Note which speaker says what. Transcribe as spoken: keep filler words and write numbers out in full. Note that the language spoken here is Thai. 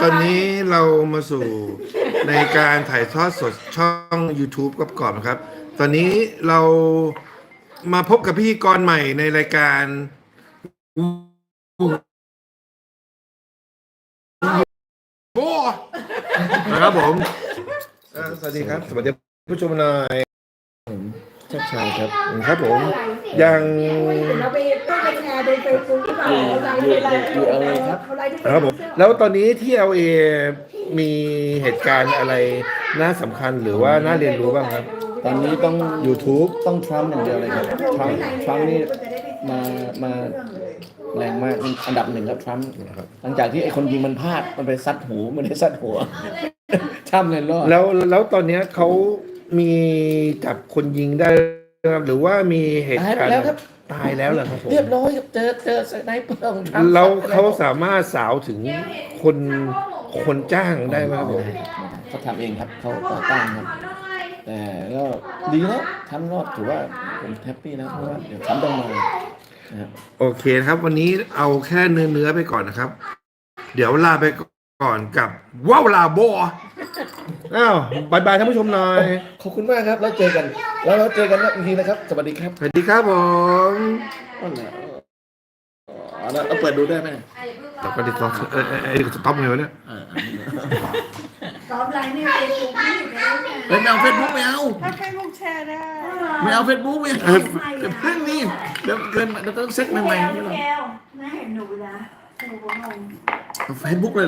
Speaker 1: อนนี้เรามาสู่ในการถ่ายทอดสดช่อง YouTube กับก่อนนะครับ ตอนนี้เรามาพบกับพิธีกรใหม่ในรายการโบนะครับผมอ่าสวัสดีครับ สวัสดีผู้ชมหน่อยชัดชัยครับครับผมยัง
Speaker 2: เราไปต้องไปแชร์ในเฟซบุ๊กที่แบบเราไลฟ์อะไร
Speaker 3: อยู่เอาเลยครับ
Speaker 2: เขาไลฟ์ที่
Speaker 1: ครับผมแล้วตอนนี้ที่ แอล เอ มีเหตุการณ์อะไรน่าสำคัญหรือว่าน่าเรียนรู้บ้างครับ
Speaker 3: ตอนนี้ต้อง
Speaker 1: YouTube
Speaker 3: ต้องทรัมป์อย่างเดียวเลยครับทรัมป์ทรัมป์นี่มามาแรงมากอันดับหนึ่งครับทรัมป์หลังจากที่ไอ้คนยิงมันพลาดมันไปซัดหูมันได้ซัดหัวทรัมป์เลยรอด
Speaker 1: แล้วแล้วตอนเนี้ยเขามีจับคนยิงได้ครับหรือว่ามีเหตุการณ์
Speaker 3: ตายแล้วครับ
Speaker 1: ตายแล้วเหรอครับผม
Speaker 3: เรียบร้อยครับเจอเจอสไนเปอร์ของทรัมป์
Speaker 1: แล้วเขาสามารถสาวถึงคนคนจ้างได้ไหมครับผม
Speaker 3: เขาทำเองครับเขาต่อต้านครับ แต่ก็ดีแล้วทำรอดถือว่าผมแฮปปี้นะเพราะว่าเดี๋ยวทำต้องมานะครับ
Speaker 1: โอเคนะครับ วันนี้เอาแค่เนื้อเนื้อไปก่อนนะครับ เดี๋ยวลาไปก่อนกับว้าวลาโบอ้าวบายบายท่านผู้ชมหน่อย
Speaker 3: ขอบคุณมากครับแล้วเจอกัน แล้วเราเจอกันอีกทีนะครับสวัสดีครับ
Speaker 1: สวัสดีครับผม
Speaker 3: อ๋อเหรออ๋อแล้วเอาเปิดดูได้ไหม
Speaker 1: แต่ก็ดิสต็อปเออเออเออสต็อปไงวะเนี่ย
Speaker 3: อ่า
Speaker 2: ซ้อมไลน์ในเฟซบุ๊กนี่อยู่ในนั้น
Speaker 3: เฮ้ยไม่เอาเฟซบุ๊กไม่เอา
Speaker 2: ถ้าเฟซบุ๊กแชร์ได้
Speaker 3: ไม่เอาเฟซบุ๊กไม่เอาเดี๋ยวเพิ่งนี่เดี๋ยวเกินเราต้องเซ็ตใหม่ๆ
Speaker 2: แก้ว
Speaker 3: นี่หรอ
Speaker 2: แก้วน่าเห็นหนูนะหนูก็งง
Speaker 3: เอาเฟซบุ๊กเลย